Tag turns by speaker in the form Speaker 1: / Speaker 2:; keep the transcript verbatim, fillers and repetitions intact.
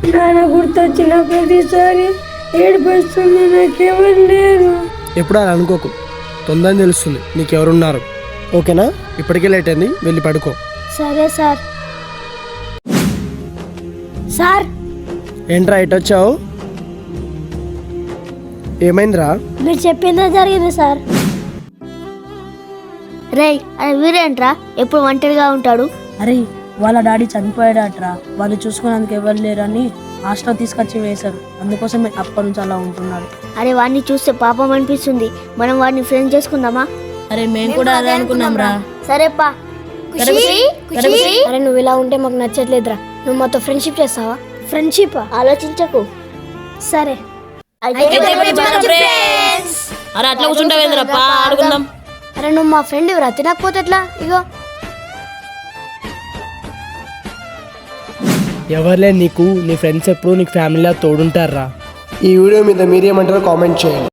Speaker 1: నాన్న గుర్తొచ్చిన ప్రతిసారి ఏడుపొస్తుంది, నాకెవరు లేరు.
Speaker 2: ఎప్పుడు అలా అనుకోకు, తొందరని తెలుస్తుంది నీకెవరున్నారు. ఓకేనా? ఇప్పటికే లేట్ అయింది, వెళ్ళి పడుకో.
Speaker 1: సరే సార్. సార్
Speaker 2: ఏంట్రా ఇటు వచ్చావు? ఏమైందిరా?
Speaker 1: మీరు చెప్పిందే జరిగింది సార్. రేయ్, అది వీరేంట్రా ఎప్పుడు ఒంటరిగా ఉంటాడు?
Speaker 3: అరే వాళ్ళ డాడీ చనిపోయాడట్రా, వాళ్ళు చూసుకున్నందుకు ఎవరు లేరని హాస్టల్ తీసుకొచ్చి వేశారు, అందుకోసం అప్పటి నుంచి అలా ఉంటున్నాడు.
Speaker 1: అరే వాడిని చూస్తే పాపం అనిపిస్తుంది, మనం వాడిని ఫ్రెండ్ చేసుకుందామా?
Speaker 3: అరే మేము కూడా అదే అనుకున్నాం రా.
Speaker 1: సరేపా. అరే నువ్వు ఇలా ఉంటే మాకు నచ్చట్లేదురా, నువ్వు మాతో ఫ్రెండ్షిప్ చేస్తావా? ఫ్రెండ్షిప్ ఆలోచించకు. సరే
Speaker 3: అరే అట్లా కూర్చుంటావేంద్రప్ప, ఆడుకుందాం.
Speaker 1: అరే నువ్వు మా ఫ్రెండ్ రా, తినకపోతే ఎట్లా? ఇగో
Speaker 2: ఎవరులే నీకు, నీ ఫ్రెండ్స్ ఎప్పుడు నీకు ఫ్యామిలీలా తోడుంటారా. ఈ వీడియో మీద మీరేమంటారో కామెంట్ చేయండి.